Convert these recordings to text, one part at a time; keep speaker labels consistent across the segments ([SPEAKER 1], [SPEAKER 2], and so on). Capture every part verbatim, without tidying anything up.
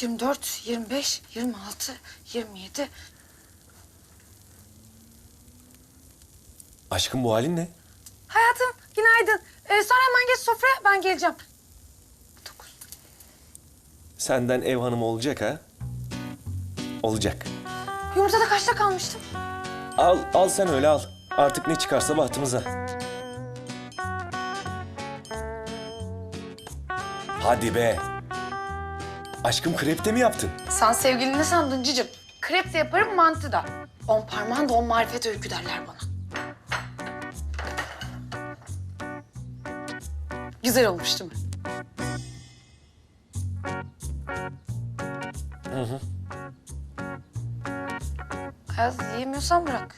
[SPEAKER 1] yirmi dört, yirmi beş, yirmi altı, yirmi yedi.
[SPEAKER 2] Aşkım bu halin ne?
[SPEAKER 1] Hayatım günaydın. Ee, sen hemen geç sofraya, ben geleceğim. Dokuz.
[SPEAKER 2] Senden ev hanımı olacak ha? Olacak.
[SPEAKER 1] Yumurtada kaçta kalmıştım?
[SPEAKER 2] Al, al sen öyle al. Artık ne çıkarsa bahtımıza. Hadi be. Aşkım krep de mi yaptın?
[SPEAKER 1] Sen sevgilini ne sandın cicim? Krep de yaparım, mantı da. On parmağın da on marifet öykü derler bana. Güzel olmuş değil mi?
[SPEAKER 2] Hı hı.
[SPEAKER 1] Ayaz, yiyemiyorsan bırak.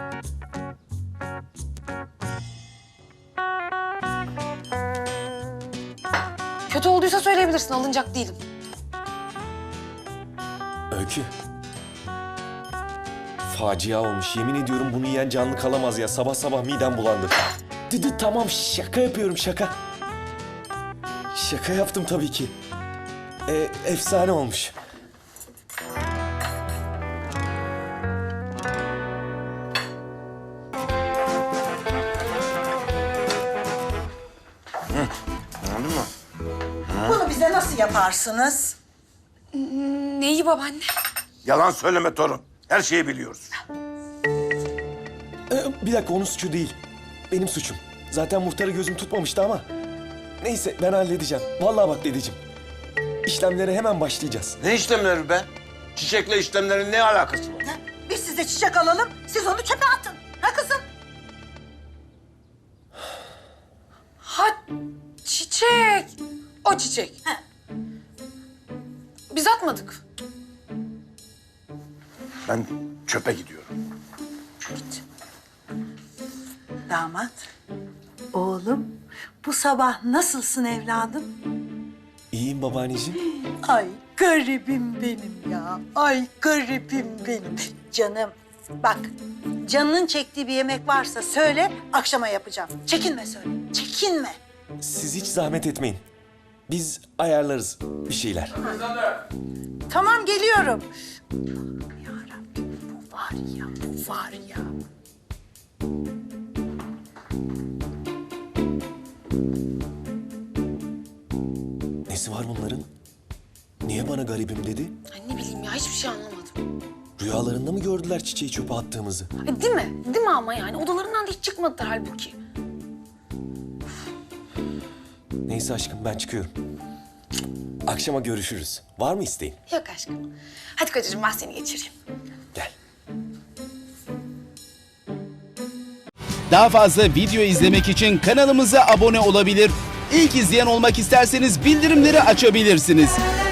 [SPEAKER 1] Kötü olduysa söyleyebilirsin, alınacak değilim.
[SPEAKER 2] Öykü. Facia olmuş. Yemin ediyorum bunu yiyen canlı kalamaz ya. Sabah sabah midem bulandı. Dedi tamam şaka yapıyorum şaka. Şaka yaptım tabii ki. E, efsane olmuş.
[SPEAKER 3] Anladın mı?
[SPEAKER 4] Bunu bize nasıl yaparsınız?
[SPEAKER 1] Neyi babaanne?
[SPEAKER 3] Yalan söyleme torun. Her şeyi biliyoruz.
[SPEAKER 2] E, bir dakika onun suçu değil. Benim suçum. Zaten muhtarı gözüm tutmamıştı ama. Neyse ben halledeceğim. Vallahi bak dedeciğim. İşlemlere hemen başlayacağız.
[SPEAKER 3] Ne işlemleri be? Çiçekle işlemlerin ne alakası var?
[SPEAKER 4] Ha, Biz size çiçek alalım, siz onu çöpe atın. Ha kızım?
[SPEAKER 1] Ha, çiçek. O çiçek.
[SPEAKER 4] Ha.
[SPEAKER 1] Biz atmadık.
[SPEAKER 3] Ben çöpe gidiyorum.
[SPEAKER 4] Git. Damat, oğlum, bu sabah nasılsın evladım?
[SPEAKER 2] İyiyim babaanneciğim.
[SPEAKER 4] Ay garibim benim ya, ay garibim benim. Canım, bak canının çektiği bir yemek varsa söyle, akşama yapacağım. Çekinme söyle, çekinme.
[SPEAKER 2] Siz hiç zahmet etmeyin. Biz ayarlarız bir şeyler.
[SPEAKER 4] Tamam geliyorum. Yarabbim bu var ya, bu var ya.
[SPEAKER 2] Nesi var bunların? Niye bana garibim dedi?
[SPEAKER 1] Ay ne bileyim ya, hiçbir şey anlamadım.
[SPEAKER 2] Rüyalarında mı gördüler çiçeği çöpe attığımızı?
[SPEAKER 1] Ay, değil mi? Değil mi ama yani? Odalarından da hiç çıkmadılar halbuki.
[SPEAKER 2] Neyse aşkım ben çıkıyorum. Akşama görüşürüz. Var mı isteğin?
[SPEAKER 1] Yok aşkım. Hadi kocacığım, ben seni geçireyim.
[SPEAKER 2] Gel.
[SPEAKER 5] Daha fazla video izlemek için kanalımıza abone olabilir. İlk izleyen olmak isterseniz bildirimleri açabilirsiniz.